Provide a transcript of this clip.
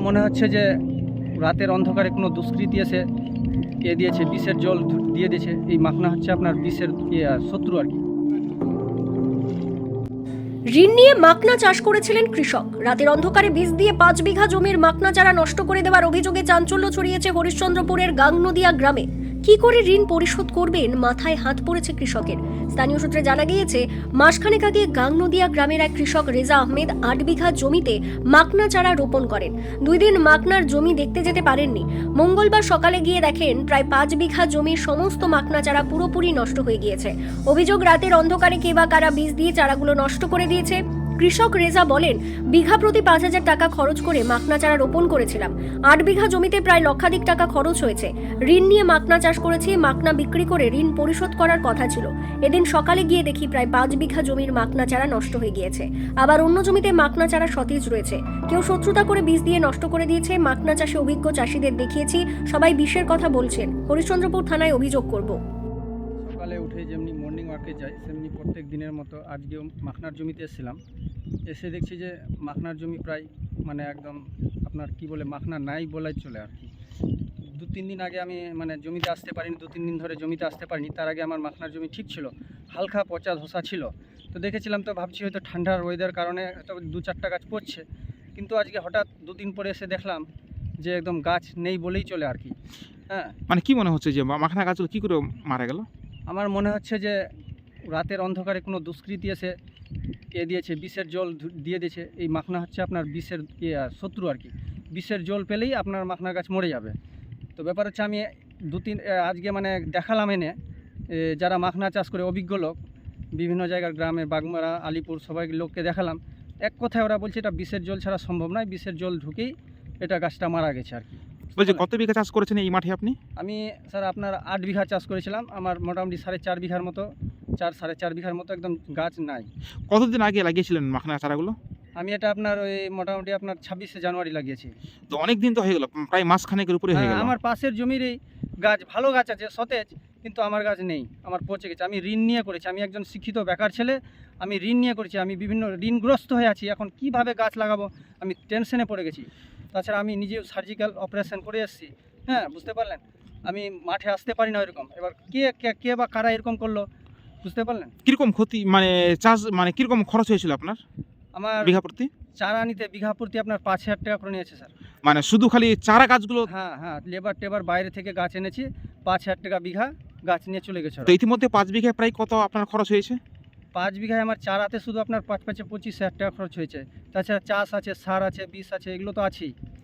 মনে হচ্ছে যে রাতের অন্ধকারে কোনো দুষ্কৃতী এসে দিয়েছে, বিষের জল দিয়ে দিয়েছে। এই মাখনা হচ্ছে আপনার বিষের শত্রু আর কি। ঋণ নিয়ে মাকনা চাষ করেছিলেন কৃষক। রাতের অন্ধকারে বীজ দিয়ে 5 বিঘা জমির মাকনা চারা নষ্ট করে দেওয়ার অভিযোগে চাঞ্চল্য ছড়িয়েছে হরিশ্চন্দ্রপুরের গাংনদিয়া গ্রামে। কি করে ঋণ পরিশোধ করবেন, মাথায় হাত পড়েছে কৃষকের। স্থানীয় সূত্রে জানা গিয়েছে, মাসখানেক আগে গাংনদিয়া গ্রামের এক কৃষক রেজা আহমেদ 8 বিঘা জমিতে মাকনা চারা রোপণ করেন। 2 দিন মাকনার জমি দেখতে যেতে পারেননি। মঙ্গলবার সকালে গিয়ে দেখেন প্রায় 5 বিঘা জমির সমস্ত মাকনা চারা পুরোপুরি নষ্ট হয়ে গিয়েছে। অভিযোগ, রাতের অন্ধকারে কে বা কারা বীজ দিয়ে চারাগুলো নষ্ট করে দিয়েছে। কৃষক রেজা বলেন, বিঘা প্রতি 5,000 টাকা খরচ করে মাকনা চারা রোপণ করেছিলাম। 8 বিঘা জমিতে প্রায় লক্ষাধিক টাকা খরচ হয়েছে। ঋণ নিয়ে মাকনা চাষ করেছি, মাকনা বিক্রি করে ঋণ পরিশোধ করার কথা ছিল। এদিন সকালে গিয়ে দেখি প্রায় 5 বিঘা জমির মাকনা চারা নষ্ট হয়ে গিয়েছে। আবার অন্য জমিতে মাকনা চারা সতেজ রয়েছে। কেউ শত্রুতা করে বীজ দিয়ে নষ্ট করে দিয়েছে। মাকনা চাষে অভিজ্ঞ চাষিদের দেখিয়েছি, সবাই বিষের কথা বলছেন। হরিশ্চন্দ্রপুর থানায় অভিযোগ করব। সকালে উঠে যেমনি মর্নিং ওয়াকে যাই, সেমনি প্রত্যেক দিনের মতো আজকেও মাখনার জমিতে এসেছিলাম। এসে দেখছি যে মাখনার জমি প্রায় মানে একদম আপনার কি বলে মাখনা নাই বলাই চলে আর কি। 2-3 দিন আগে আমি মানে জমিতে আসতে পারিনি, 2-3 দিন ধরে জমিতে আসতে পারিনি। তার আগে আমার মাখনার জমি ঠিক ছিল, হালকা পচা ধসা ছিল। তো দেখেছিলাম, তো ভাবছি হয়তো ঠান্ডার ওয়েদার কারণে হয়তো 2-4টা গাছ পড়ছে। কিন্তু আজকে হঠাৎ 2 দিন পরে এসে দেখলাম যে একদম গাছ নেই বলেই চলে আর কি। হ্যাঁ, মানে কি মনে হচ্ছে যে মাখনা গাছগুলো কি করে মারা গেল? আমার মনে হচ্ছে যে রাতের অন্ধকারে কোনো দুষ্কৃতী এসে দিয়েছে, বিষের জল দিয়ে দিয়েছে। এই মাখনা হচ্ছে আপনার বিষের শত্রু আর কি। বিষের জল পেলেই আপনার মাখনা গাছ মরে যাবে। তো ব্যাপার হচ্ছে, আমি 2-3 আজকে মানে দেখালাম এনে যারা মাখনা চাষ করে অভিজ্ঞ লোক, বিভিন্ন জায়গার গ্রামে বাগমারা, আলিপুর সবাই লোককে দেখালাম। এক কথায় ওরা বলছে এটা বিষের জল ছাড়া সম্ভব নয়, বিষের জল ঢুকেই এটা গাছটা মারা গেছে আর কি। বলছি, কত বিঘা চাষ করেছেন এই মাঠে আপনি? আমি স্যার আপনার 8 বিঘা চাষ করেছিলাম। আমার মোটামুটি 4.5 বিঘার মতো, 4-4.5 বিঘার মতো একদম গাছ নাই। কতদিন আগে লাগিয়েছিলেন মাখনা চারাগুলো? আমি এটা আপনার ওই মোটামুটি আপনার 26শে জানুয়ারি লাগিয়েছি। তো অনেক দিন তো হয়ে গেল, প্রায় মাসখানেকের উপরে হয়ে গেল। আমার পাশের জমির এই গাছ, ভালো গাছ আছে সতেজ, কিন্তু আমার গাছ নেই, আমার পচে গেছে। আমি ঋণ নিয়ে করেছি, আমি একজন শিক্ষিত বেকার ছেলে, আমি ঋণ নিয়ে করেছি। আমি বিভিন্ন ঋণগ্রস্ত হয়ে আছি। এখন কিভাবে গাছ লাগাবো আমি টেনশনে পড়ে গেছি। তাছাড়া আমি নিজেও সার্জিক্যাল অপারেশন করে এসেছি। হ্যাঁ, বুঝতে পারলেন, আমি মাঠে আসতে পারি না এরকম। এবার কে বা কারা এরকম করলো, বুঝতে পারলেন। কিরকম ক্ষতি, মানে চাষ মানে কিরকম খরচ হয়েছিল আপনার আমার বিঘা প্রতি? চারা নিতে বিঘা প্রতি আপনার 5,000 টাকা করে নিয়েছে স্যার। মানে শুধু খালি চারা গাছগুলো? হ্যাঁ, লেবার টেবার বাইরে থেকে গাছ এনেছি, 5,000 টাকা বিঘা গাছ নিয়ে চলে গেছে ওরা। তো ইতিমধ্যে 5 বিঘায় প্রায় কত আপনার খরচ হয়েছে? 5 বিঘায় আমার চারাতে শুধু আপনার 5-5-25,000 টাকা খরচ হয়েছে। তাছাড়া চাষ আছে, সার আছে, বিষ আছে, এগুলো তো আছেই।